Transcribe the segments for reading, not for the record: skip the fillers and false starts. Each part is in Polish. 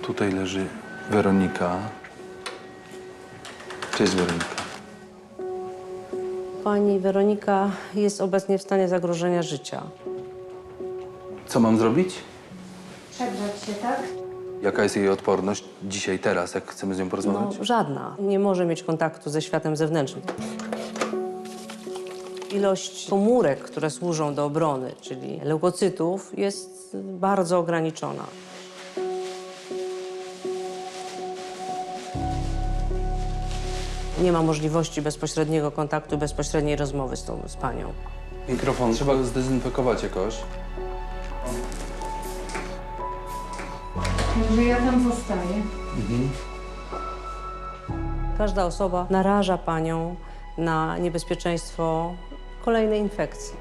Tutaj leży Weronika. Cześć, Weronika. Pani Weronika jest obecnie w stanie zagrożenia życia. Co mam zrobić? Przegrzać się, tak? Jaka jest jej odporność dzisiaj, teraz, jak chcemy z nią porozmawiać? No, żadna. Nie może mieć kontaktu ze światem zewnętrznym. Ilość komórek, które służą do obrony, czyli leukocytów, jest bardzo ograniczona. Nie ma możliwości bezpośredniego kontaktu, bezpośredniej rozmowy z panią. Mikrofon trzeba go zdezynfekować jakoś. Także ja tam zostaję. Każda osoba naraża panią na niebezpieczeństwo kolejnej infekcji.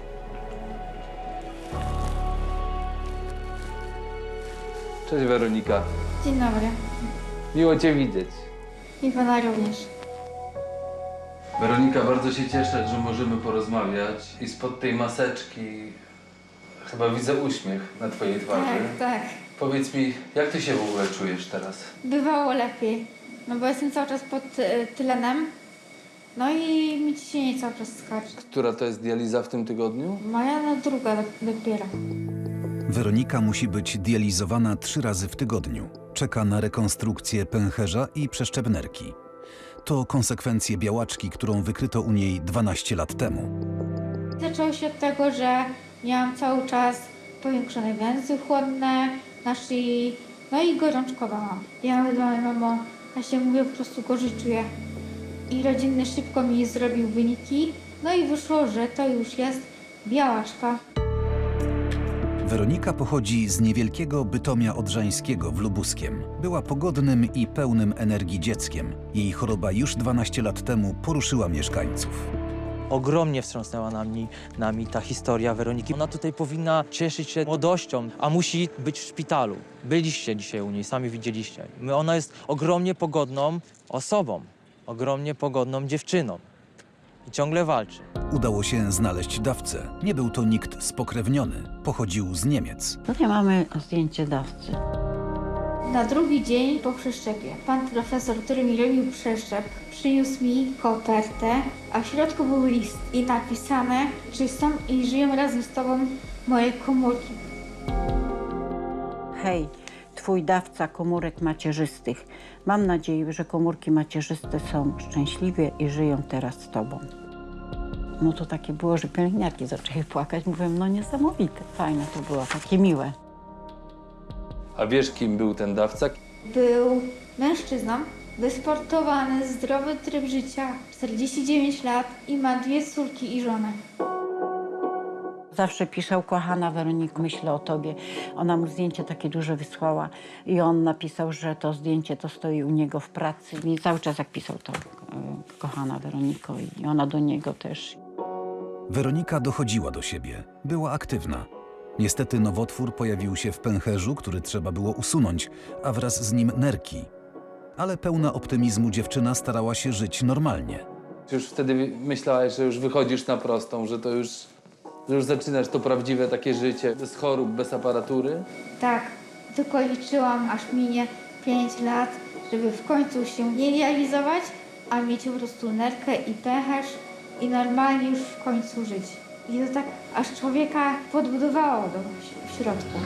Cześć, Weronika. Dzień dobry. Miło cię widzieć. I pana również. Weronika, bardzo się cieszę, że możemy porozmawiać i spod tej maseczki chyba widzę uśmiech na twojej twarzy. Tak. Powiedz mi, jak ty się w ogóle czujesz teraz? Bywało lepiej. No bo jestem cały czas pod tylenem. No i mi ciśnienie cały czas skacze. Która to jest dializa w tym tygodniu? Moja no druga dopiero. Weronika musi być dializowana 3 razy w tygodniu. Czeka na rekonstrukcję pęcherza i przeszczep nerki. To konsekwencje białaczki, którą wykryto u niej 12 lat temu. Zaczęło się od tego, że miałam cały czas powiększone węzły chłonne na szyi. No i gorączkowałam. Ja mówię do mojej mamo, ja się mówię, po prostu gorzej czuję. I rodzinny szybko mi zrobił wyniki. No i wyszło, że to już jest białaczka. Weronika pochodzi z niewielkiego Bytomia Odrzańskiego w Lubuskiem. Była pogodnym i pełnym energii dzieckiem. Jej choroba już 12 lat temu poruszyła mieszkańców. Ogromnie wstrząsnęła nami ta historia Weroniki. Ona tutaj powinna cieszyć się młodością, a musi być w szpitalu. Byliście dzisiaj u niej, sami widzieliście. Ona jest ogromnie pogodną osobą, ogromnie pogodną dziewczyną i ciągle walczy. Udało się znaleźć dawcę. Nie był to nikt spokrewniony. Pochodził z Niemiec. Tutaj mamy zdjęcie dawcy. Na drugi dzień po przeszczepie pan profesor, który mi robił przeszczep, przyniósł mi kopertę, a w środku był list i napisane, że są i żyją razem z tobą moje komórki. Hej, twój dawca komórek macierzystych. Mam nadzieję, że komórki macierzyste są szczęśliwie i żyją teraz z tobą. No to takie było, że pielęgniarki zaczęły płakać. Mówię, no niesamowite, fajne to było, takie miłe. A wiesz, kim był ten dawca? Był mężczyzną, wysportowany, zdrowy tryb życia, 49 lat i ma 2 córki i żonę. Zawsze pisał, kochana Weroniko, myślę o tobie. Ona mu zdjęcie takie duże wysłała i on napisał, że to zdjęcie to stoi u niego w pracy. I cały czas jak pisał to, kochana Weroniko, i ona do niego też. Weronika dochodziła do siebie. Była aktywna. Niestety nowotwór pojawił się w pęcherzu, który trzeba było usunąć, a wraz z nim nerki. Ale pełna optymizmu dziewczyna starała się żyć normalnie. Już wtedy myślałaś, że już wychodzisz na prostą, że już zaczynasz to prawdziwe takie życie, bez chorób, bez aparatury? Tak, tylko liczyłam, aż minie 5 lat, żeby w końcu się nie realizować, a mieć po prostu nerkę i pęcherz i normalnie już w końcu żyć. I to tak aż człowieka podbudowało w środku.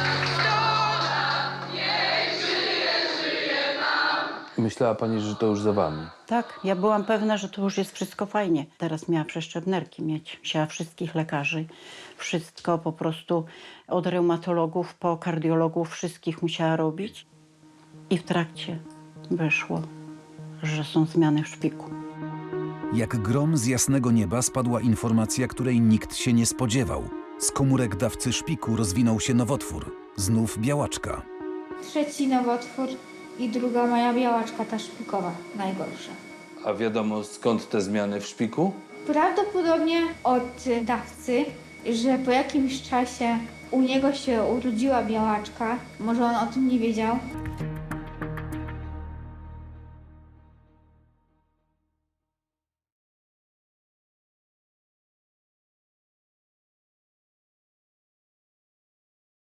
Myślała pani, że to już za wami. Tak, ja byłam pewna, że to już jest wszystko fajnie. Teraz miała przeszczep nerki mieć. Musiała wszystkich lekarzy, wszystko po prostu od reumatologów po kardiologów, wszystkich musiała robić. I w trakcie wyszło, że są zmiany w szpiku. Jak grom z jasnego nieba spadła informacja, której nikt się nie spodziewał. Z komórek dawcy szpiku rozwinął się nowotwór. Znów białaczka. 3. nowotwór i 2. moja białaczka, ta szpikowa, najgorsza. A wiadomo, skąd te zmiany w szpiku? Prawdopodobnie od dawcy, że po jakimś czasie u niego się urodziła białaczka, może on o tym nie wiedział.